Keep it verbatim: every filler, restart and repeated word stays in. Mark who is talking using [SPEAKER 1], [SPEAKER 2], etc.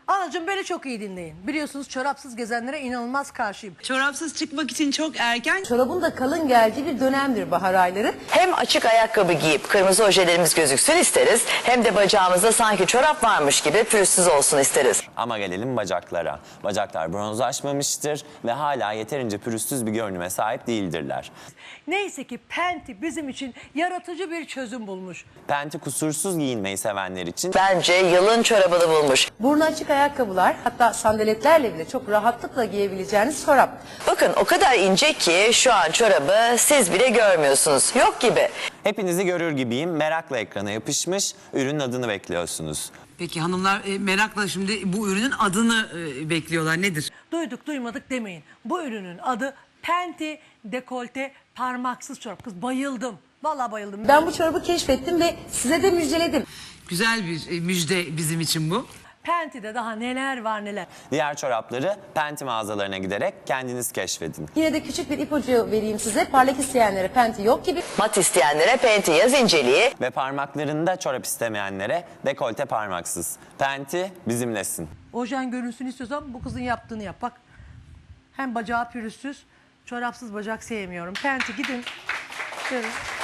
[SPEAKER 1] Anacığım beni çok iyi dinleyin. Biliyorsunuz çorapsız gezenlere inanılmaz karşıyım.
[SPEAKER 2] Çorapsız çıkmak için çok erken.
[SPEAKER 1] Çorabın da kalın geldiği bir dönemdir bahar ayları.
[SPEAKER 3] Hem açık ayakkabı giyip kırmızı ojelerimiz gözüksün isteriz, hem de bacağımızda sanki çorap varmış gibi pürüzsüz olsun isteriz.
[SPEAKER 4] Ama gelelim bacaklara. Bacaklar bronzlaşmamıştır ve hala yeterince pürüzsüz bir görünüme sahip değildirler.
[SPEAKER 1] Neyse ki Penti bizim için yaratıcı bir çözüm bulmuş.
[SPEAKER 4] Penti kusursuz giyinmeyi sevenler için
[SPEAKER 3] Bence yılın çorabını bulmuş.
[SPEAKER 1] Burnu açık ayakkabılar, hatta sandaletlerle bile çok rahatlıkla giyebileceğiniz çorap.
[SPEAKER 3] Bakın o kadar ince ki şu an çorabı siz bile görmüyorsunuz. Yok gibi.
[SPEAKER 4] hepinizi görür gibiyim. Merakla ekrana yapışmış, ürünün adını bekliyorsunuz.
[SPEAKER 2] Peki hanımlar e, merakla şimdi bu ürünün adını e, bekliyorlar. Nedir?
[SPEAKER 1] Duyduk duymadık demeyin. Bu ürünün adı Penti dekolte parmaksız çorap. Kız bayıldım. Vallahi bayıldım. Ben bu çorabı keşfettim ve size de müjdeledim.
[SPEAKER 2] Güzel bir e, müjde bizim için bu.
[SPEAKER 1] Penti'de daha neler var neler.
[SPEAKER 4] Diğer çorapları Penti mağazalarına giderek kendiniz keşfedin.
[SPEAKER 1] Yine de küçük bir ipucu vereyim size. Parlak isteyenlere Penti yok gibi.
[SPEAKER 3] Mat isteyenlere Penti yaz inceliği.
[SPEAKER 4] Ve parmaklarında çorap istemeyenlere dekolte parmaksız. Penti bizimlesin.
[SPEAKER 1] Ojen görünsün istiyorsan bu kızın yaptığını yap. Bak hem bacağı pürüzsüz, çorapsız bacak sevmiyorum. Penti gidin. Görün.